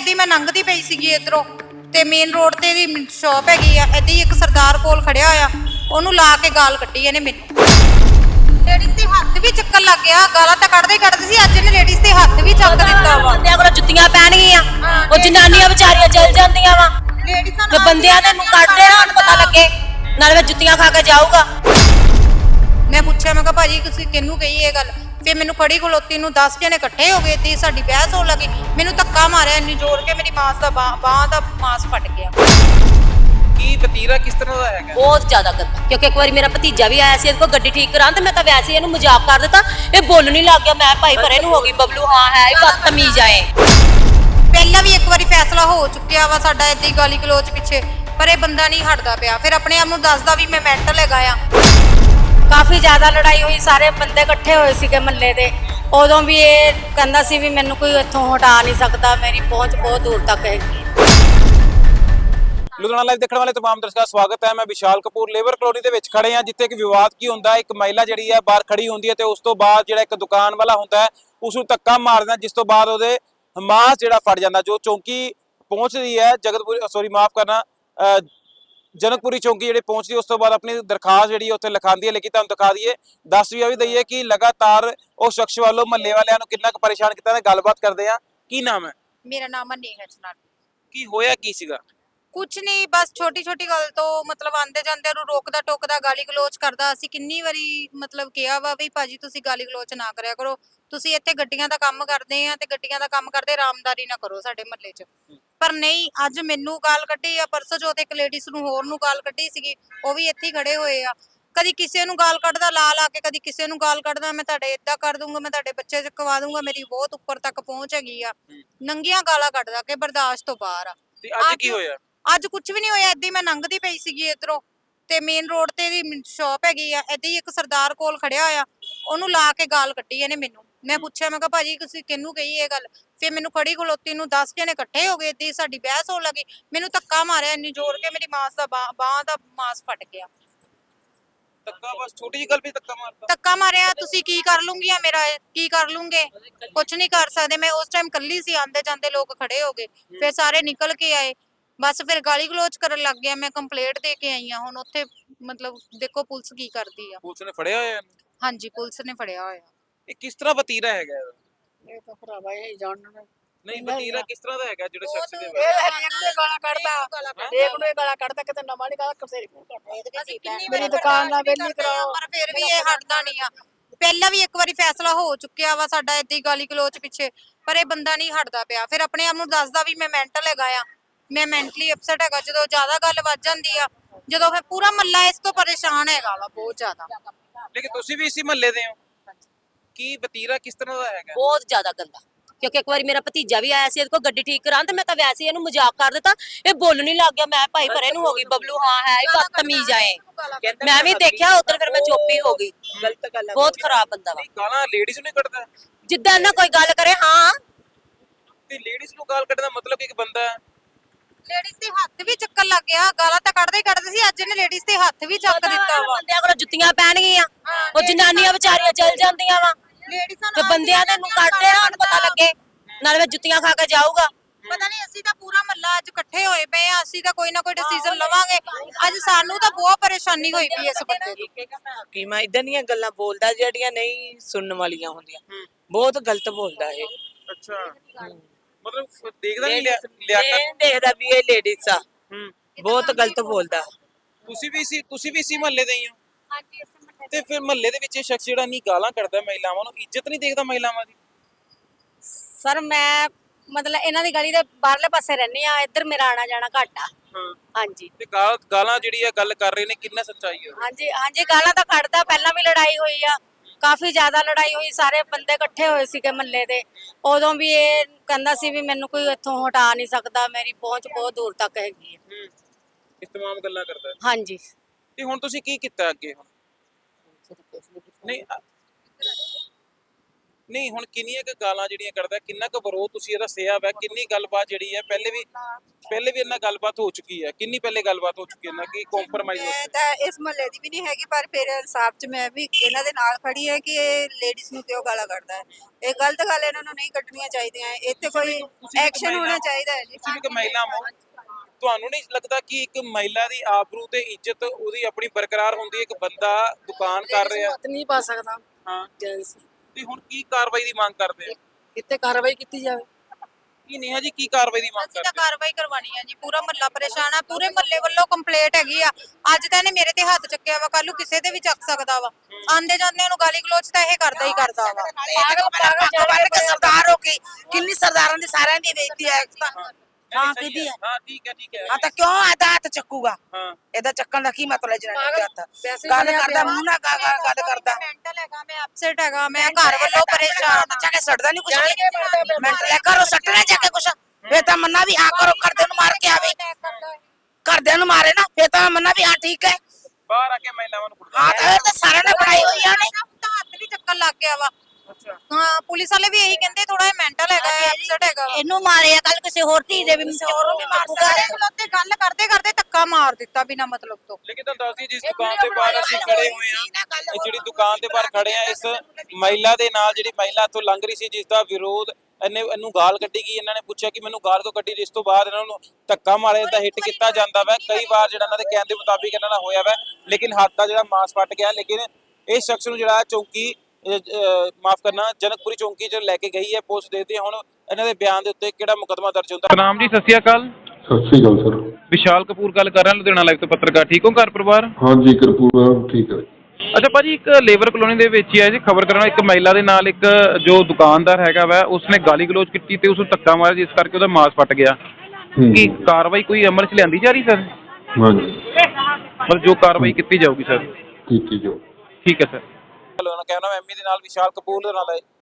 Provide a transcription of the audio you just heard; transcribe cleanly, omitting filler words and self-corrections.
ਏਦਾਂ ਮੈਂ ਲੰਘਦੀ ਪਈ ਸੀਗੀ ਇਧਰੋਂ ਤੇ ਮੇਨ ਰੋਡ ਤੇ ਦੀ ਸ਼ਾਪ ਹੈਗੀ ਆ, ਏਦਾਂ ਹੀ ਇੱਕ ਸਰਦਾਰ ਕੋਲ ਖੜਿਆ ਹੋਇਆ, ਉਹਨੂੰ ਲਾ ਕੇ ਗਾਲ ਕੱਢੀ ਇਹਨੇ ਮੈਨੂੰ। ਲੇਡੀਜ਼ ਦੇ ਹੱਥ ਵੀ ਚੱਕਣ ਲੱਗ ਗਿਆ, ਗਾਲਾਂ ਤਾਂ ਕੱਢਦੇ ਸੀ, ਅੱਜ ਇਹਨੇ ਲੇਡੀਜ਼ ਦੇ ਹੱਥ ਵੀ ਚੱਕ ਦਿੱਤਾ ਵਾ। ਬੰਦਿਆਂ ਕੋਲ ਜੁੱਤੀਆਂ ਪੈਣਗੀਆਂ, ਉਹ ਜਨਾਨੀਆਂ ਵਿਚਾਰੀਆਂ ਜਲ ਜਾਂਦੀਆਂ ਵਾ ਤੇ ਬੰਦਿਆਂ ਦੇ ਨੂੰ ਕੱਢਦੇ ਨਾ, ਉਹਨੂੰ ਪਤਾ ਲੱਗੇ ਨਾਲੇ ਮੈਂ ਜੁੱਤੀਆਂ ਖਾ ਕੇ ਜਾਊਗਾ। ਮੈਂ ਪੁੱਛਿਆ, ਮੈਂ ਕਿਹਾ ਭਾਜੀ ਤੁਸੀਂ ਕਿਹਨੂੰ ਕਹੀ ਇਹ ਗੱਲ? ਫਿਰ ਮੈਨੂੰ ਖੜੀ ਖਲੋਤੀ ਨੂੰ 10 ਜਣੇ ਇਕੱਠੇ ਹੋ ਗਏ ਤੇ ਸਾਡੀ ਬਹਿਸ ਹੋਣ ਲੱਗੀ, ਮੈਨੂੰ ਧੱਕਾ ਮਾਰਿਆ ਇੰਨੀ ਜ਼ੋਰ ਕੇ ਮੇਰੀ ਮਾਸ ਦਾ ਬਾਹ ਦਾ ਮਾਸ ਫਟ ਗਿਆ। ਕੀ ਵਤੀਰਾ ਕਿਸ ਤਰ੍ਹਾਂ ਦਾ ਹੈਗਾ? ਬਹੁਤ ਜ਼ਿਆਦਾ ਗੰਦਾ, ਕਿਉਂਕਿ ਇੱਕ ਵਾਰੀ ਮੇਰਾ ਭਤੀਜਾ ਵੀ ਆਇਆ ਸੀ ਇਹਦੇ ਕੋਲ ਗੱਡੀ ਠੀਕ ਕਰਾਉਣ ਤੇ ਮੈਂ ਤਾਂ ਵੈਸੇ ਇਹਨੂੰ ਮਜ਼ਾਕ ਕਰ ਦਿੱਤਾ, ਇਹ ਬੋਲਣ ਹੀ ਲੱਗ ਗਿਆ। ਮੈਂ ਭਾਈ ਪਰੇ ਨੂੰ ਹੋ ਗਈ, ਬਬਲੂ ਹਾਂ ਹੈ ਇਹ ਬਦਤਮੀਜ਼ ਆਏ। ਪਹਿਲਾਂ ਵੀ ਇੱਕ ਵਾਰੀ ਫੈਸਲਾ ਹੋ ਚੁੱਕਿਆ ਵਾ ਸਾਡਾ ਏਦਾਂ ਹੀ ਗਾਲੀ ਗਲੋਚ ਪਿੱਛੇ, ਪਰ ਇਹ ਬੰਦਾ ਨਹੀਂ ਹਟਦਾ ਪਿਆ। ਫਿਰ ਆਪਣੇ ਆਪ ਨੂੰ ਦੱਸਦਾ ਵੀ ਮੈਂ ਮੈਂਟਲ ਹੈਗਾ ਆ। ਕਾਫੀ ਜ਼ਿਆਦਾ ਲੜਾਈ ਹੋਈ, ਸਾਰੇ ਬੰਦੇ ਇਕੱਠੇ ਹੋਏ ਸੀਗੇ ਮਹੱਲੇ ਦੇ। ਉਦੋਂ ਵੀ ਇਹ ਕਹਿੰਦਾ ਸੀ ਵੀ ਮੈਨੂੰ ਕੋਈ ਇੱਥੋਂ ਹਟਾ ਨਹੀਂ ਸਕਦਾ, ਮੇਰੀ ਪਹੁੰਚ ਬਹੁਤ ਦੂਰ ਤੱਕ ਹੈਗੀ। ਲੁਧਿਆਣਾ ਲਾਈਵ ਦੇਖਣ ਵਾਲੇ तमाम ਦਰਸ਼ਕਾਂ ਦਾ ਸਵਾਗਤ ਹੈ। ਮੈਂ ਵਿਸ਼ਾਲ ਕਪੂਰ ਲੇਬਰ ਕਲੋਨੀ ਦੇ ਵਿੱਚ ਖੜੇ ਹਾਂ, ਜਿੱਥੇ ਇੱਕ ਵਿਵਾਦ ਕੀ ਹੁੰਦਾ ਹੈ। ਇੱਕ ਮਹਿਲਾ ਜਿਹੜੀ ਹੈ ਬਾਹਰ ਖੜੀ ਹੁੰਦੀ ਹੈ ਤੇ ਉਸ ਤੋਂ ਬਾਅਦ ਜਿਹੜਾ ਇੱਕ ਦੁਕਾਨ ਵਾਲਾ ਹੁੰਦਾ ਹੈ ਉਸ ਨੂੰ ਧੱਕਾ ਮਾਰ ਦਿੰਦਾ, ਜਿਸ ਤੋਂ ਬਾਅਦ ਉਹਦੇ ਮਾਸ ਜਿਹੜਾ ਫਟ ਜਾਂਦਾ। ਜੋ ਚੌਂਕੀ ਪਹੁੰਚਦੀ ਹੈ ਜਨਕਪੁਰੀ ਚੌਂਕੀ ਜਿਹੜੀ ਪਹੁੰਚਦੀ, ਉਸ ਤੋਂ ਬਾਅਦ ਆਪਣੀ ਦਰਖਾਸਤ ਜਿਹੜੀ ਉੱਥੇ ਲਿਖਾਉਂਦੀ ਹੈ। ਲੇਕਿਨ ਤੁਹਾਨੂੰ ਦਿਖਾ ਦਈਏ, ਦੱਸ ਵੀ ਦਈਏ ਕਿ ਲਗਾਤਾਰ ਉਹ ਸ਼ਖਸ ਵੱਲੋਂ ਮਹੱਲੇ ਵਾਲਿਆਂ ਨੂੰ ਕਿੰਨਾ ਕੁ ਪਰੇਸ਼ਾਨ ਕੀਤਾ ਹੈ। ਗੱਲਬਾਤ ਕਰਦੇ ਆ। ਕੀ ਨਾਮ ਹੈ? ਮੇਰਾ ਨਾਮ ਹੈ ਨੇਹਾ ਚਨਾਲ। ਕੀ ਹੋਇਆ ਕੀ ਸੀਗਾ? ਕੁਛ ਨਹੀਂ, ਬਸ ਛੋਟੀ ਛੋਟੀ ਗੱਲ ਤੋਂ ਮਤਲਬ ਆਂਦੇ ਜਾਂਦੇ ਨੂੰ ਰੋਕਦਾ ਟੋਕਦਾ, ਗਾਲੀ ਗਲੋਚ ਕਰਦਾ। ਅਸੀਂ ਕਿੰਨੀ ਵਾਰੀ ਮਤਲਬ ਕਿਹਾ ਵਾ ਵੀ ਭਾਜੀ ਤੁਸੀਂ ਗਾਲੀ ਗਲੋਚ ਨਾ ਕਰਿਆ ਕਰੋ, ਤੁਸੀਂ ਇੱਥੇ ਗੱਡੀਆਂ ਦਾ ਕੰਮ ਕਰਦੇ ਆ ਤੇ ਗੱਡੀਆਂ ਦਾ ਕੰਮ ਕਰਦੇ ਆਰਾਮਦਾਰੀ ਨਾ ਕਰੋ ਸਾਡੇ ਮਹੱਲੇ 'ਚ। ਪਰ ਨਹੀਂ, ਅੱਜ ਮੈਨੂੰ ਗਾਲ ਕੱਢੀ ਆ, ਪਰਸੋਂ ਜੋ ਤੇ ਇੱਕ ਲੇਡੀਜ਼ ਨੂੰ ਹੋਰ ਨੂੰ ਗਾਲ ਕੱਢੀ ਸੀਗੀ, ਉਹ ਵੀ ਇੱਥੇ ਖੜੇ ਹੋਏ ਆ। ਕਦੀ ਕਿਸੇ ਨੂੰ ਗਾਲ ਕੱਢਦਾ ਲਾ ਕੇ, ਕਦੀ ਕਿਸੇ ਨੂੰ ਗਾਲ ਕੱਢਦਾ ਮੈਂ ਤੁਹਾਡੇ ਏਦਾਂ ਕਰ ਦੂੰਗਾ, ਮੈਂ ਤੁਹਾਡੇ ਬੱਚੇ ਚਕਵਾ ਦੂੰਗਾ, ਮੇਰੀ ਬਹੁਤ ਉੱਪਰ ਤੱਕ ਪਹੁੰਚ ਹੈਗੀ ਆ। ਨੰਗੀਆਂ ਗਾਲਾਂ ਕੱਢਦਾ ਕਿ ਬਰਦਾਸ਼ਤ ਤੋਂ ਬਾਹਰ ਆ। ਤੇ ਅੱਜ ਕੀ ਹੋਇਆ? ਅੱਜ ਕੁਝ ਵੀ ਨਹੀਂ ਹੋਇਆ, ਏਦਾਂ ਮੈਂ ਲੰਘਦੀ ਪਈ ਸੀਗੀ ਇਧਰੋਂ ਤੇ ਮੇਨ ਰੋਡ ਤੇ ਦੀ ਸ਼ਾਪ ਹੈਗੀ ਆ, ਏਦਾਂ ਹੀ ਇੱਕ ਸਰਦਾਰ ਕੋਲ ਖੜਿਆ ਹੋਇਆ, ਉਹਨੂੰ ਲਾ ਕੇ ਗਾਲ ਕੱਢੀ ਇਹਨੇ ਮੈਨੂੰ। ਮੈਂ ਪੁੱਛਿਆ, ਮੈਂ ਕਿਹਾ ਭਾਜੀ ਤੁਸੀਂ ਕਿਹਨੂੰ ਕਹੀ ਇਹ ਗੱਲ? ਫਿਰ ਮੈਨੂੰ ਖੜੀ ਖਲੋਤੀ ਨੂੰ 10 ਜਣੇ ਇਕੱਠੇ ਹੋ ਗਏ ਤੇ ਸਾਡੀ ਬਹਿਸ ਹੋਣ ਲੱਗੀ, ਮੈਨੂੰ ਧੱਕਾ ਮਾਰਿਆ ਇੰਨੀ ਜ਼ੋਰ ਕੇ ਮੇਰੀ ਮਾਸ ਦਾ ਬਾਹ ਦਾ ਮਾਸ ਫਟ ਗਿਆ। ਧੱਕਾ? ਬਸ ਛੋਟੀ ਜਿਹੀ ਗੱਲ ਵੀ ਧੱਕਾ ਮਾਰਦਾ? ਧੱਕਾ ਮਾਰਿਆ। ਤੁਸੀਂ ਕੀ ਕਰ ਲੂੰਗੀ? ਮੇਰਾ ਕੀ ਕਰ ਲੂੰਗੇ? ਕੁਝ ਨਹੀਂ ਕਰ ਸਕਦੇ। ਮੈਂ ਉਸ ਟਾਈਮ ਕੱਲੀ ਸੀ, ਆਂਦੇ ਜਾਂਦੇ ਲੋਕ ਖੜੇ ਹੋ ਗਏ, ਫਿਰ ਸਾਰੇ ਨਿਕਲ ਕੇ ਆਏ। ਬਸ ਫਿਰ ਗਾਲੀ ਗਲੋਚ ਕਰਨ ਲੱਗ ਗਿਆ। ਮੈਂ ਕੰਪਲੇਂਟ ਦੇ ਕੇ ਆਈ ਆ, ਹੁਣ ਉੱਥੇ ਮਤਲਬ ਦੇਖੋ ਪੁਲਿਸ ਕੀ ਕਰਦੀ ਆ। ਪੁਲਿਸ ਨੇ ਫੜਿਆ ਹੋਇਆ? ਹਾਂਜੀ, ਪੁਲਿਸ ਨੇ ਫੜਿਆ ਹੋਇਆ। ਇਹ ਕਿਸ ਤਰ੍ਹਾਂ ਵਤੀਰਾ ਹੈਗਾ? ਇਹ ਤਾਂ ਭਰਾਵਾ ਇਹ ਜਾਣਨਾ ਨਹੀਂ, ਵਤੀਰਾ ਕਿਸ ਤਰ੍ਹਾਂ ਦਾ ਹੈਗਾ ਜਿਹੜੇ ਸ਼ਖਸ ਦੇ ਇਹ ਹਰੇਕ ਨੂੰ ਗਾਲਾਂ ਕੱਢਦਾ, ਹਰੇਕ ਨੂੰ ਗਾਲਾਂ ਕੱਢਦਾ, ਕਿਤੇ ਨਵਾਂ ਨਹੀਂ ਗਾਲਾਂ ਕਿਸੇ ਨੂੰ ਕੱਢਦਾ। ਮੇਰੀ ਦੁਕਾਨ ਨਾ ਵੇਲੀ ਕਰਾਓ, ਪਰ ਫਿਰ ਵੀ ਇਹ ਹਟਦਾ ਨਹੀਂ ਆ। ਪਹਿਲਾਂ ਵੀ ਇੱਕ ਵਾਰੀ ਫੈਸਲਾ ਹੋ ਚੁੱਕਿਆ ਵਾ ਸਾਡਾ ਏਦਾਂ ਹੀ ਗਾਲੀ ਗਲੋਚ ਪਿੱਛੇ, ਪਰ ਇਹ ਬੰਦਾ ਨਹੀਂ ਹਟਦਾ ਪਿਆ। ਫਿਰ ਆਪਣੇ ਆਪ ਨੂੰ ਦੱਸਦਾ ਵੀ ਮੈਂ ਮੈਂਟਲ ਹੈਗਾ ਆ, ਮੈਂ ਮੈਂਟਲੀ ਅਪਸੈਟ ਹੈਗਾ। ਜਦੋਂ ਜ਼ਿਆਦਾ ਗੱਲ ਵੱਜ ਜਾਂਦੀ ਆ, ਜਦੋਂ ਫਿਰ ਪੂਰਾ ਮਹੱਲਾ ਇਸ ਤੋਂ ਪਰੇਸ਼ਾਨ ਹੈਗਾ ਵਾ ਬਹੁਤ ਜ਼ਿਆਦਾ। ਲੇਕਿਨ ਤੁਸੀਂ ਵੀ ਇਸੇ ਮਹੱਲੇ ਦੇ ਹੋ, ਕੀ ਵਤੀਰਾ ਕਿਸ ਤਰ੍ਹਾਂ ਦਾ ਹੈਗਾ? ਬਹੁਤ ਜ਼ਿਆਦਾ ਗੰਦਾ, ਕਿਉਂਕਿ ਇੱਕ ਵਾਰੀ ਮੇਰਾ ਭਤੀਜਾ ਵੀ ਆਇਆ ਸੀ ਇਹਦੇ ਕੋਲ ਗੱਡੀ ਠੀਕ ਕਰਾਉਣ ਤੇ ਮੈਂ ਤਾਂ ਵੈਸੇ ਇਹਨੂੰ ਮਜ਼ਾਕ ਕਰ ਦਿੱਤਾ, ਇਹ ਬੋਲਣ ਹੀ ਲੱਗ ਗਿਆ। ਮੈਂ ਭਾਈ ਪਰੇ ਨੂੰ ਹੋ ਗਈ, ਬਬਲੂ ਹਾਂ ਹੈ ਇਹ ਬਦਤਮੀਜ਼ ਆਏ। ਮੈਂ ਵੀ ਦੇਖਿਆ ਉਧਰ, ਫਿਰ ਮੈਂ ਚੁੱਪ ਹੀ ਹੋ ਗਈ। ਗਲਤ ਗੱਲ ਹੈ, ਬਹੁਤ ਖਰਾਬ ਬੰਦਾ ਵਾ। ਗਾਲਾਂ ਲੇਡੀਜ਼ ਨੂੰ ਕੱਢਦਾ? ਜਿੱਦਾਂ ਇਹਨਾਂ ਕੋਈ ਗੱਲ ਕਰੇ ਹਾਂ ਤੇ ਲੇਡੀਜ਼ ਨੂੰ ਗਾਲ ਕੱਢਣ ਦਾ ਮਤਲਬ ਇੱਕ ਬੰਦਾ ਲੇਡੀਜ਼ ਦੇ ਹੱਥ ਵੀ ਚੱਕਣ ਲੱਗ ਗਿਆ, ਗਾਲਾਂ ਤਾਂ ਕੱਢਦੇ ਸੀ, ਅੱਜ ਇਹਨੇ ਲੇਡੀਜ਼ ਦੇ ਹੱਥ ਵੀ ਚੱਕ ਦਿੱਤਾ ਵਾ। ਬੰਦਿਆਂ ਕੋਲ ਜੁੱਤੀਆਂ ਪੈਣਗੀਆਂ, ਉਹ ਜਨਾਨੀਆਂ ਵਿਚਾਰੀਆਂ ਜਲ ਜਾਂਦੀਆਂ ਵਾ ਤੇ ਬੰਦਿਆਂ ਦੇ ਨੂੰ ਕੱਢਦੇ ਨਾ, ਉਹਨੂੰ ਪਤਾ ਲੱਗੇ ਨਾਲੇ ਮੈਂ ਜੁੱਤੀਆਂ ਖਾ ਕੇ ਜਾਊਗਾ। ਪਤਾ ਨਹੀਂ, ਅਸੀਂ ਤਾਂ ਪੂਰਾ ਮਹੱਲਾ ਅੱਜ ਇਕੱਠੇ ਹੋਏ ਪਏ ਆ, ਅਸੀਂ ਤਾਂ ਕੋਈ ਨਾ ਕੋਈ ਡਿਸੀਜਨ ਲਵਾਂਗੇ। ਅੱਜ ਸਾਨੂੰ ਤਾਂ ਬਹੁਤ ਪਰੇਸ਼ਾਨੀ ਹੋਈ ਪਈ ਇਸ ਬੰਦੇ ਦੀ। ਕਿ ਮੈਂ ਇਦਾਂ ਦੀਆਂ ਗੱਲਾਂ ਬੋਲਦਾ ਜਿਹੜੀਆਂ ਨਹੀਂ ਸੁਣਨ ਵਾਲੀਆਂ ਹੁੰਦੀਆਂ, ਬਹੁਤ ਗਲਤ ਬੋਲਦਾ ਇਹ। ਅੱਛਾ, ਮਤਲਬ ਦੇਖਦਾ ਨਹੀਂ ਇਹ ਦੇਖਦਾ ਵੀ ਇਹ ਲੇਡੀਜ਼ ਆ, ਬਹੁਤ ਗਲਤ ਬੋਲਦਾ। ਤੁਸੀਂ ਵੀ ਇਸੇ ਮਹੱਲੇ ਦੇ ਹੀ ਹੋ? ਹਾਂਜੀ, ਇਸ ਮਹੱਲੇ ਤੇ ਫਿਰ ਮਹੱਲੇ ਦੇ ਵਿੱਚ ਇਹ ਸ਼ਖਸ ਜਿਹੜਾ ਨਹੀਂ ਗਾਲਾਂ ਕੱਢਦਾ ਮਹਿਲਾਵਾਂ ਨੂੰ, ਇੱਜ਼ਤ ਨਹੀਂ ਦੇਖਦਾ ਮਹਿਲਾਵਾਂ ਦੀ? ਸਰ ਮੈਂ ਮਤਲਬ ਇਹਨਾਂ ਦੀ ਗਲੀ ਦੇ ਬਾਹਰਲੇ ਪਾਸੇ ਰਹਿੰਦੀ ਆ, ਇੱਧਰ ਮੇਰਾ ਆਣਾ ਜਾਣਾ ਘੱਟ ਆ। ਹਾਂਜੀ ਤੇ ਗਾਲਾਂ ਜਿਹੜੀ ਆ ਗੱਲ ਕਰ ਰਹੇ ਨੇ, ਕਿੰਨਾ ਸੱਚਾਈ ਹੈ? ਹਾਂਜੀ ਹਾਂਜੀ, ਗਾਲਾਂ ਤਾਂ ਕੱਢਦਾ। ਪਹਿਲਾਂ ਵੀ ਲੜਾਈ ਹੋਈ ਆ, ਕਾਫੀ ਜ਼ਿਆਦਾ ਲੜਾਈ ਹੋਈ, ਸਾਰੇ ਬੰਦੇ ਇਕੱਠੇ ਹੋਏ ਸੀਗੇ ਮਹੱਲੇ ਦੇ। ਉਦੋਂ ਵੀ ਇਹ ਕਹਿੰਦਾ ਸੀ ਵੀ ਮੈਨੂੰ ਕੋਈ ਇੱਥੋਂ ਹਟਾ ਨਹੀਂ ਸਕਦਾ, ਮੇਰੀ ਪਹੁੰਚ ਬਹੁਤ ਦੂਰ ਤੱਕ ਹੈਗੀ ਆ। ਇਸ ਤਮਾਮ ਗੱਲਾਂ ਕਰਦਾ? ਹਾਂਜੀ। ਤੇ ਹੁਣ ਤੁਸੀਂ ਕੀ ਕੀਤਾ ਅੱਗੇ? ਨਹੀਂ, ਨਹੀਂ ਹੁਣ ਕਿੰਨੀਆਂ ਕੁ ਗਾਲਾਂ ਜਿਹੜੀਆਂ ਕੱਢਦਾ, ਕਿੰਨਾ ਕੁ ਵਿਰੋਧ ਤੁਸੀਂ ਇਹਦਾ ਸਹਿਆ ਵਾ, ਕਿੰਨੀ ਗੱਲਬਾਤ ਜਿਹੜੀ ਹੈ ਪਹਿਲੇ ਵੀ ਇਹਨਾਂ ਗੱਲਬਾਤ ਹੋ ਚੁੱਕੀ ਹੈ, ਕਿੰਨੀ ਪਹਿਲੇ ਗੱਲਬਾਤ ਹੋ ਚੁੱਕੀ ਹੈ ਨਾ ਕਿ ਕੰਪਰਮਾਈਜ਼ ਮੈਂ ਤਾਂ ਇਸ ਮਹੱਲੇ ਦੀ ਵੀ ਨਹੀਂ ਹੈਗੀ, ਪਰ ਫਿਰ ਇਨਸਾਫ 'ਚ ਮੈਂ ਵੀ ਇਹਨਾਂ ਦੇ ਨਾਲ ਖੜੀ ਹੈ ਕਿ ਇਹ ਲੇਡੀਜ਼ ਨੂੰ ਕਿਉਂ ਗਾਲਾਂ ਕੱਢਦਾ ਹੈ। ਇਹ ਗਲਤ ਗੱਲ ਇਹਨਾਂ ਨੂੰ ਨਹੀਂ ਕੱਢਣੀਆਂ ਚਾਹੀਦੀਆਂ, ਇੱਥੇ ਕੋਈ ਐਕਸ਼ਨ ਹੋਣਾ ਚਾਹੀਦਾ ਹੈ ਜੀ। ਤੁਸੀਂ ਵੀ ਇੱਕ ਮਹਿਲਾ ਹੋ, ਤੁਹਾਨੂੰ ਨਹੀਂ ਲੱਗਦਾ ਕਿ ਇੱਕ ਮਹਿਲਾ ਦੀ ਆਬਰੂ ਤੇ ਇੱਜ਼ਤ ਉਹਦੀ ਆਪਣੀ ਬਰਕਰਾਰ ਹੁੰਦੀ ਹੈ? ਇੱਕ ਬੰਦਾ ਦੁਕਾਨ ਕਰ ਰਿਹਾ ਨਹੀਂ ਪਾ ਸਕਦਾ ਹਾਂ, ਜੈਂਸ ਤੇ ਹੁਣ ਕੀ ਕਾਰਵਾਈ ਦੀ ਮੰਗ ਕਰਦੇ ਆ? ਇੱਥੇ ਕਾਰਵਾਈ ਕੀਤੀ ਜਾਵੇ। ਕੀ ਨੇਹਾ ਜੀ, ਕੀ ਕਾਰਵਾਈ ਦੀ ਮੰਗ ਅਸੀਂ ਤਾਂ ਕਰਦੇ ਆ? ਕਾਰਵਾਈ ਕਰਵਾਣੀ ਆ ਜੀ, ਪੂਰਾ ਮਹੱਲਾ ਪਰੇਸ਼ਾਨ ਆ, ਪੂਰੇ ਮਹੱਲੇ ਵੱਲੋਂ ਕੰਪਲੇਂਟ ਹੈਗੀ ਆ। ਅੱਜ ਤਾਂ ਇਹਨੇ ਮੇਰੇ ਤੇ ਹੱਥ ਚੱਕਿਆ ਵਾ, ਕੱਲ ਨੂੰ ਕਿਸੇ ਦੇ ਵੀ ਚੱਕ ਸਕਦਾ ਵਾ। ਆਂਦੇ ਜਾਂਦੇ ਉਹਨੂੰ ਗਾਲੀ ਗਲੋਚ ਤਾਂ ਇਹ ਕਰਦਾ ਹੀ ਕਰਦਾ ਵਾ। ਸਰਦਾਰ ਹੋ ਕੇ ਕਿੰਨੀ ਸਰਦਾਰਾਂ ਦੀ ਸਾਰਿਆਂ ਦੀ ਬੇਇੱਜ਼ਤੀ ਹੈ। ਹਾਂ ਕੀਤੀ ਹੈ, ਹਾਂ ਠੀਕ ਹੈ ਹਾਂ ਤਾਂ ਕਿਉਂ ਇਹਦਾ ਹੱਥ ਚੱਕੂਗਾ? ਹਾਂ ਇਹਦਾ ਚੱਕਣ ਦਾ ਕੀ ਮਤਲਬ ਹੈ? ਜਨਾਨੀ ਦੇ ਹੱਥ ਗੱਲ ਕਰਦਾ, ਮੂੰਹ ਨਾਲ ਗੱਲ ਕਰਦਾ। ਮੈਂਟਲ ਹੈਗਾ, ਮੈਂ ਅਪਸੈਟ ਹੈਗਾ, ਮੈਂ ਘਰ ਵੱਲੋਂ ਪਰੇਸ਼ਾਨ ਆ। ਜਾ ਕੇ ਸੜਦਾ ਨਹੀਂ ਕੁਛ ਮਿੰਟ ਲੈ ਕਰੋ ਸੱਟਣਾ ਜਾ ਕੇ ਕੁਛ, ਫੇਰ ਤਾਂ ਮੰਨਾ ਵੀ ਹਾਂ ਕਰੋ, ਘਰਦਿਆਂ ਨੂੰ ਮਾਰ ਕੇ ਆਵੇ, ਘਰਦਿਆਂ ਨੂੰ ਮਾਰੇ ਨਾ ਫੇਰ ਤਾਂ ਮੰਨਾ ਵੀ ਹਾਂ ਠੀਕ ਹੈ। ਬਾਹਰ ਆ ਕੇ ਮਹਿਲਾਵਾਂ ਨੂੰ ਕੁੱਟਦਾ। ਹਾਂ ਤਾਂ ਇਹ ਤਾਂ ਸਾਰਿਆਂ ਨੇ ਬਣਾਈ ਹੋਈ ਆ ਨੇ। ਤਾਂ ਹੱਥ ਵੀ ਚੱਕਣ ਲੱਗ ਗਿਆ ਵਾ। ਅੱਛਾ, ਹਾਂ, ਪੁਲਿਸ ਵਾਲੇ ਵੀ ਇਹੀ ਕਹਿੰਦੇ ਥੋੜਾ ਜਿਹਾ ਮੈਂਟਲ ਹੈਗਾ, ਅਪਸੈਟ ਹੈਗਾ ਵਾ। ਇਹਨੂੰ ਮਾਰਿਆ ਕੱਲ ਕਿਸੇ ਹੋਰ ਧੀ ਦੇ ਵੀ ਸਾਰੇ ਖਲੋਤੇ ਗੱਲ ਕਰਦੇ ਕਰਦੇ ਧੱਕਾ ਮਾਰ ਦਿੱਤਾ ਬਿਨਾ ਮਤਲਬ ਤੋਂ। ਲੇਕਿਨ ਤੁਹਾਨੂੰ ਦੱਸਦੀ ਜਿਸ ਦੁਕਾਨ ਦੇ ਬਾਹਰ ਅਸੀਂ ਖੜੇ ਹੋਏ ਆ, ਇਹ ਜਿਹੜੀ ਦੁਕਾਨ ਦੇ ਬਾਹਰ ਖੜੇ ਆ, ਇਸ ਮਹਿਲਾ ਦੇ ਨਾਲ ਜਿਹੜੀ ਮਹਿਲਾ ਇੱਥੋਂ ਲੰਘ ਰਹੀ ਸੀ, ਜਿਸ ਦਾ ਵਿਰੋਧ ਇਹਨੂੰ ਗਾਲ ਕੱਢੀ ਗਈ। ਇਹਨਾਂ ਨੇ ਪੁੱਛਿਆ ਕਿ ਮੈਨੂੰ ਗਾਲ ਕਿਉਂ ਕੱਢੀ, ਜਿਸ ਤੋਂ ਬਾਅਦ ਇਹਨਾਂ ਨੂੰ ਧੱਕਾ ਮਾਰਿਆ ਤਾਂ ਹਿੱਟ ਕੀਤਾ ਜਾਂਦਾ ਵਾ। ਕਈ ਵਾਰ ਜਿਹੜਾ ਇਹਨਾਂ ਦੇ ਕਹਿਣ ਦੇ ਮੁਤਾਬਿਕ ਇਹਨਾਂ ਨਾਲ ਹੋਇਆ ਵਾ, ਲੇਕਿਨ ਹੱਥ ਦਾ ਜਿਹੜਾ ਮਾਸ ਫਟ ਗਿਆ। ਲੇਕਿਨ ਇਸ ਸ਼ਖਸ ਨੂੰ ਜਿਹੜਾ ਚੌਂਕੀ ਮਾਫ ਕਰਨਾ ਜਨਕਪੁਰੀ ਚੌਂਕੀ 'ਚ ਲੈ ਕੇ ਗਈ ਹੈ ਪੁਲਿਸ। ਦੇਖਦੇ ਹਾਂ ਹੁਣ ਇਹਨਾਂ ਦੇ ਬਿਆਨ ਦੇ ਉੱਤੇ ਕਿਹੜਾ ਮੁਕੱਦਮਾ ਦਰਜ ਹੁੰਦਾ। ਨਾਮ ਜੀ, ਸਤਿ ਸ਼੍ਰੀ ਅਕਾਲ। ਸਤਿ ਸ੍ਰੀ ਅਕਾਲ ਸਰ। ਵਿਸ਼ਾਲ ਕਪੂਰ ਗੱਲ ਕਰ ਰਿਹਾ, ਲੁਧਿਆਣਾ ਲਾਈਵ ਤੋਂ ਪੱਤਰਕਾਰ। ਠੀਕ ਹੋ ਘਰ ਪਰਿਵਾਰ? ਹਾਂਜੀ ਕਰਪੂਰਾ ਠੀਕ ਹੈ। ਅੱਛਾ ਭਾਜੀ, ਇੱਕ ਲੇਬਰ ਕਲੋਨੀ ਦੇ ਵਿੱਚ ਹੀ ਹੈ ਜੀ ਖਬਰ ਕਰਨਾ, ਇੱਕ ਮਹਿਲਾ ਦੇ ਨਾਲ ਇੱਕ ਜੋ ਦੁਕਾਨਦਾਰ ਹੈਗਾ ਵਾ ਉਸਨੇ ਗਾਲੀ ਗਲੋਚ ਕੀਤੀ ਤੇ ਉਸ ਨੂੰ ਧੱਕਾ ਮਾਰਿਆ, ਜਿਸ ਕਰਕੇ ਉਹਦਾ ਮਾਸ ਫਟ ਗਿਆ। ਕੀ ਕਾਰਵਾਈ ਕੋਈ ਅਮਲ 'ਚ ਲਿਆਂਦੀ ਜਾ ਰਹੀ ਸਰ? ਹਾਂਜੀ ਪਰ ਜੋ ਕਾਰਵਾਈ ਕੀਤੀ ਜਾਊਗੀ ਸਰ। ਕੀਤੀ ਜੋ। ਠੀਕ ਹੈ ਸਰ। ਹੈਲੋ, ਉਹਨਾਂ ਕਹਿਣਾ ਐਮਈ ਦੇ ਨਾਲ ਵਿਸ਼ਾਲ ਕਪੂਰ ਦੇ ਨਾਲ